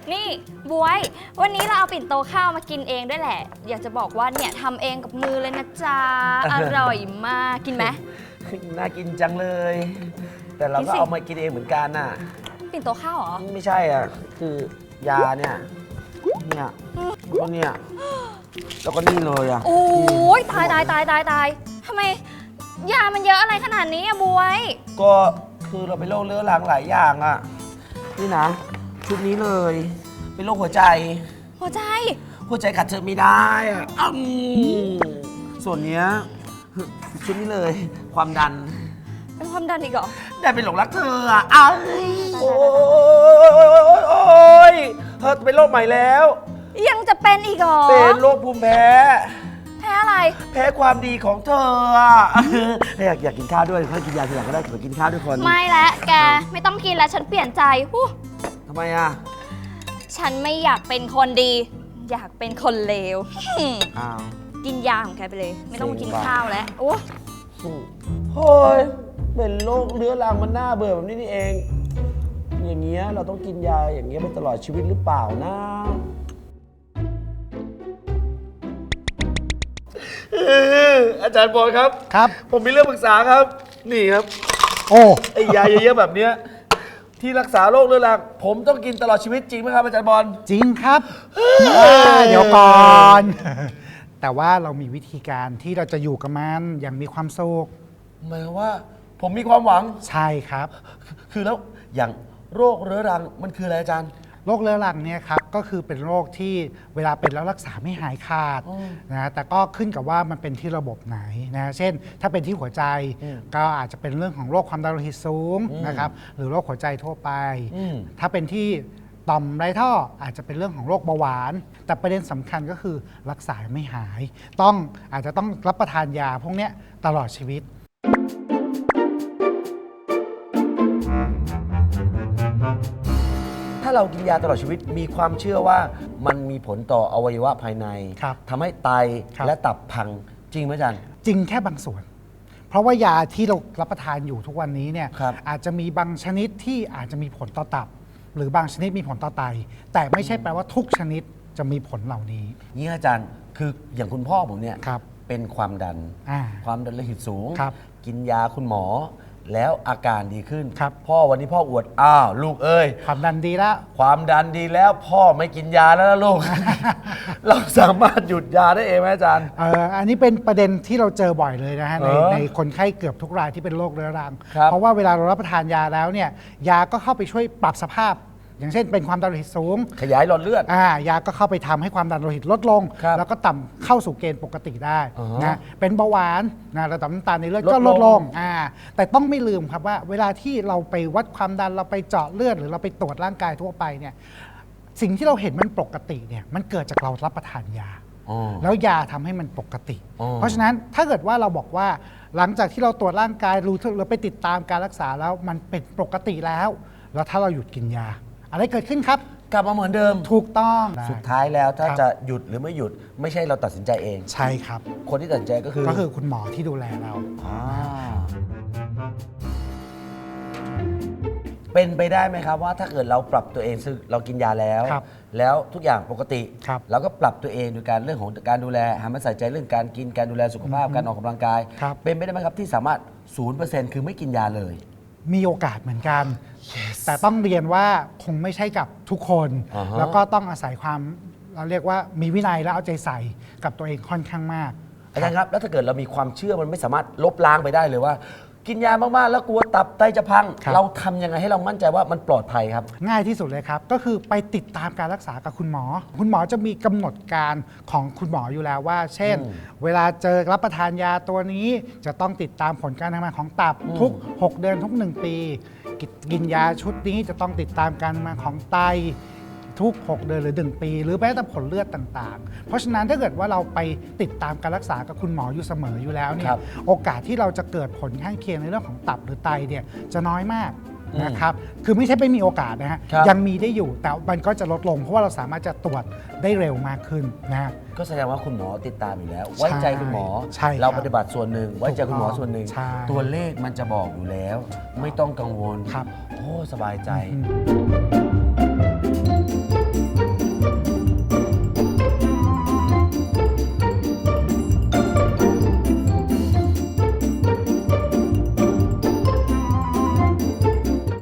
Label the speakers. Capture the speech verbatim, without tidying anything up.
Speaker 1: นี่บวยวันนี้เราเอาปิ่นโตข้าวมากินเองด้วยแหละอยากจะบอกว่าเนี่ยทำเองกับมือเลยนะจ๊ะ อร่อยมากกินไหม
Speaker 2: น่ากินจังเลย แต่เราก็เอามากินเองเหมือนกันน่ะ
Speaker 1: ปิ่นโตข้าวเหรอ
Speaker 2: ไม่ใช่อ่ะคือยาเนี่ยเนี่ยแล้วก็เนี่ยแล้วก็นี่เลยอ่ะ
Speaker 1: โอ้ยตายตายตายตายตายทำไมยามันเยอะอะไรขนาดนี้อะบวย
Speaker 2: ก็คือเราเป็นโรคเรื้อรังหลายอย่างอ่ะนี่นะชุดนี้เลยเป็นโรคหัวใจ
Speaker 1: หัวใจ
Speaker 2: หัวใจขัดเธอไม่ได้อ่ะอืมส่วนเนี้ยชุดนี้เลยความดัน
Speaker 1: เป็นความดันอีกเหรอ
Speaker 2: ได้เป็นหลงรักเธออ่ะอ้าวโอ้ยโอ้ยเธอเป็นโรคใหม่แล้ว
Speaker 1: ยังจะเป็นอีกเหรอ
Speaker 2: เป็นโรคภูมิแพ้
Speaker 1: แพ้อะไร
Speaker 2: แพ้ความดีของเธออ่ะอยากอยากกินข้าวด้วยค่อยกินยาทีหลังก็ได้ขอกินข้าวด้วยคน
Speaker 1: ไม่แล้วแกไม่ต้องกินแล้วฉันเปลี่ยนใจฮู้
Speaker 2: ทำไมอ่ะ
Speaker 1: ฉันไม่อยากเป็นคนดี อยากเป็นคนเลว
Speaker 2: อ้าว
Speaker 1: กินยาของแกไปเลย ไม่ต้องมากิน
Speaker 2: จริงป่ะ
Speaker 1: ข้าวแล้วโอ้
Speaker 2: โอ้ยเป็นโรคเรื้อรังมันน่าเบื่อแบบนี้นี่เอง อย่างเงี้ยเราต้องกินยาอย่างเงี้ยไปตลอดชีวิตหรือเปล่านะอาจารย์บอลครับ
Speaker 3: ครับ
Speaker 2: ผมมีเรื่องปรึกษาครับ นี่ครับ
Speaker 3: โอ้
Speaker 2: ไอ้ยาเยอะๆแบบเนี้ยที่รักษาโรคเรื้อรังผมต้องกินตลอดชีวิตจริงไหมครับอาจารย์บอล
Speaker 3: จริงครับอ่าเดี๋ยวก่อน แต่ว่าเรามีวิธีการที่เราจะอยู่กับมันอย่างมีความสุข
Speaker 2: หมายความว่าผมมีความหวัง
Speaker 3: ใช่ครับ
Speaker 2: คือแล้วอย่างโรคเรื้อรังมันคืออะไรอาจารย์
Speaker 3: โรคเรื้อรังเนี่ยครับก็คือเป็นโรคที่เวลาเป็นแล้วรักษาไม่หายขาด
Speaker 2: อืม
Speaker 3: นะแต่ก็ขึ้นกับว่ามันเป็นที่ระบบไหนนะเช่น ถ้าเป็นที่หัวใจ
Speaker 2: อืม
Speaker 3: ก็อาจจะเป็นเรื่องของโรคความดันโลหิตสูง
Speaker 2: อืม
Speaker 3: นะครับหรือโรคหัวใจทั่วไป
Speaker 2: อืม
Speaker 3: ถ้าเป็นที่ต่อมไรท่ออาจจะเป็นเรื่องของโรคเบาหวาน แต่ประเด็นสำคัญก็คือรักษาไม่หาย ต้องอาจจะต้องรับประทานยาพวกเนี้ยตลอดชีวิต
Speaker 2: ถ้าเรากินยาตลอดชีวิตมีความเชื่อว่ามันมีผลต่ออวัยวะภายใน
Speaker 3: ครับ
Speaker 2: ทำให้ไต
Speaker 3: ครับ
Speaker 2: และตับพังจริงไหมอาจารย์
Speaker 3: จริงแค่บางส่วน เพราะว่ายาที่เรารับประทานอยู่ทุกวันนี้เนี่ย
Speaker 2: ครับ
Speaker 3: อาจจะมีบางชนิดที่อาจจะมีผลต่อตับ หรือบางชนิดมีผลต่อไต แต่ไม่ใช่แปลว่าทุกชนิดจะมีผลเหล่านี้
Speaker 2: นี่อาจารย์คืออย่างคุณพ่อผมเนี่ย
Speaker 3: ครับ
Speaker 2: เป็นความดัน
Speaker 3: อ่า
Speaker 2: ความดันโลหิตสูง
Speaker 3: ครับ
Speaker 2: กินยาคุณหมอ แล้วอาการดีขึ้น
Speaker 3: ครับ
Speaker 2: พ่อวันนี้พ่ออวดอ้าวลูกเอ้ย
Speaker 3: ความดันดีแล้ว
Speaker 2: ความดันดีแล้วพ่อไม่กินยาแล้วนะลู ก เราสามารถหยุดยาได้เองไหมอาจารย์
Speaker 3: เอ่ออันนี้เป็นประเด็นที่เราเจอบ่อยเลยนะฮะใน
Speaker 2: เออ
Speaker 3: ในคนไข้เกือบทุกรายที่เป็นโรคเรื้อรัง
Speaker 2: ครับ
Speaker 3: เพราะว่าเวลาเรารับประทานยาแล้วเนี่ยยาก็เข้าไปช่วยปรับสภาพ อย่างเช่นเป็นความดันโลหิตสูง
Speaker 2: ขยายหลอดเลือด
Speaker 3: อ่ายาก็เข้าไปทำให้ความดันโลหิตลดลง
Speaker 2: ครับ
Speaker 3: แล้วก็ต่ำเข้าสู่เกณฑ์ปกติได้
Speaker 2: อ๋อ
Speaker 3: นะเป็นเบาหวานนะระดับน้ำตาลในเลือด
Speaker 2: ลด
Speaker 3: ก็ลด
Speaker 2: ล
Speaker 3: ล
Speaker 2: ง
Speaker 3: งอ่าแต่ต้องไม่ลืมครับว่า เวลาที่เราไปวัดความดันเราไปเจาะเลือดหรือเราไปตรวจร่างกายทั่วไปเนี่ยสิ่งที่เราเห็นมันปกติเนี่ยมันเกิดจากเรารับประทานยา
Speaker 2: อ๋อ
Speaker 3: แล้วยาทำให้มันปกติ
Speaker 2: อ๋อ
Speaker 3: เพราะฉะนั้นถ้าเกิดว่าเราบอกว่าหลังจากที่เราตรวจร่างกายรู้เราไปติดตามการรักษาแล้วมันเป็นปกติแล้ว แล้วถ้าเราหยุดกินยา อะไรเกิดขึ้นครับ
Speaker 2: กลับมาเหมือนเดิม
Speaker 3: ถูกต้อง
Speaker 2: สุดท้ายแล้วถ้า
Speaker 3: ครับ
Speaker 2: จะหยุดหรือไม่หยุดไม่ใช่เราตัดสินใจเอง
Speaker 3: ใช่ครับ
Speaker 2: คนที่ตัดสินใจก็คือ
Speaker 3: ก็คือคุณหมอที่ดูแลเรา
Speaker 2: อ่าเป็นไปได้ไหมครับว่าถ้าเกิดเราปรับตัวเองซึ่งเรากินยาแล้ว
Speaker 3: ครับ
Speaker 2: แล้วทุกอย่างปกติ
Speaker 3: ครับ
Speaker 2: เราก็ปรับตัวเองโดยการเรื่องของการดูแลหันมาใส่ใจเรื่องการกินการดูแลสุขภาพการออกกำลังกาย
Speaker 3: ครับ
Speaker 2: เป็นไปได้ไหมครับที่สามารถ ศูนย์เปอร์เซ็นต์ คือไม่กินยาเลย
Speaker 3: มีโอกาสเหมือนกัน แต่ต้องเรียนว่าคงไม่ใช่กับทุกคน
Speaker 2: อ่าฮะ
Speaker 3: แล้วก็ต้องอาศัยความเราเรียกว่ามีวินัยและเอาใจใส่กับตัวเองค่อนข้างมาก
Speaker 2: อาจารย์ครับแล้วถ้าเกิดเรามีความเชื่อมันไม่สามารถลบล้างไปได้เลยว่า กินยามากๆแล้วกลัวตับไตจะพัง
Speaker 3: ครับ
Speaker 2: เราทำยังไงให้เรามั่นใจว่ามันปลอดภัยครับ
Speaker 3: ง่ายที่สุดเลยครับ ก็คือไปติดตามการรักษากับคุณหมอ คุณหมอจะมีกำหนดการของคุณหมออยู่แล้วว่า เช่น
Speaker 2: อืม
Speaker 3: เวลาเจอรับประทานยาตัวนี้จะต้องติดตามผลการทำงานของตับ
Speaker 2: อืม
Speaker 3: ทุก หก เดือนทุก หนึ่ง ปีกิกินยาชุดนี้จะต้องติดตามการทำงานของไตทุก หก เดือนหรือ หนึ่ง ปี หรือแม้แต่ผลเลือดต่างๆ เพราะฉะนั้นถ้าเกิดว่าเราไปติดตามการรักษากับคุณหมออยู่เสมออยู่แล้วเนี่
Speaker 2: ครั
Speaker 3: ย
Speaker 2: บ
Speaker 3: โอกาสที่เราจะเกิดผลข้างเคียงในเรื่องของตับหรือไตเนี่ยจะน้อยมาก
Speaker 2: อืม
Speaker 3: นะครับ คือไม่ใช่ไม่มีโอกาสนะฮะ
Speaker 2: ครับ
Speaker 3: ยังมีได้อยู่ แต่มันก็จะลดลง เพราะว่าเราสามารถจะตรวจได้เร็วมากขึ้นนะฮะ
Speaker 2: ก็แสดงว่าคุณหมอติดตามอยู่แล้ว ไว้ใจคุณหมอ
Speaker 3: ใช่ครับ
Speaker 2: เราปฏิบัติส่วนหนึ่ง ไว้ใจคุณหมอส่วนหนึ่ง
Speaker 3: ใช่
Speaker 2: ตัวเลขมันจะบอกอยู่แล้ว ไม่ต้องกังวล
Speaker 3: ครับ
Speaker 2: โอ้สบายใจ
Speaker 3: อืม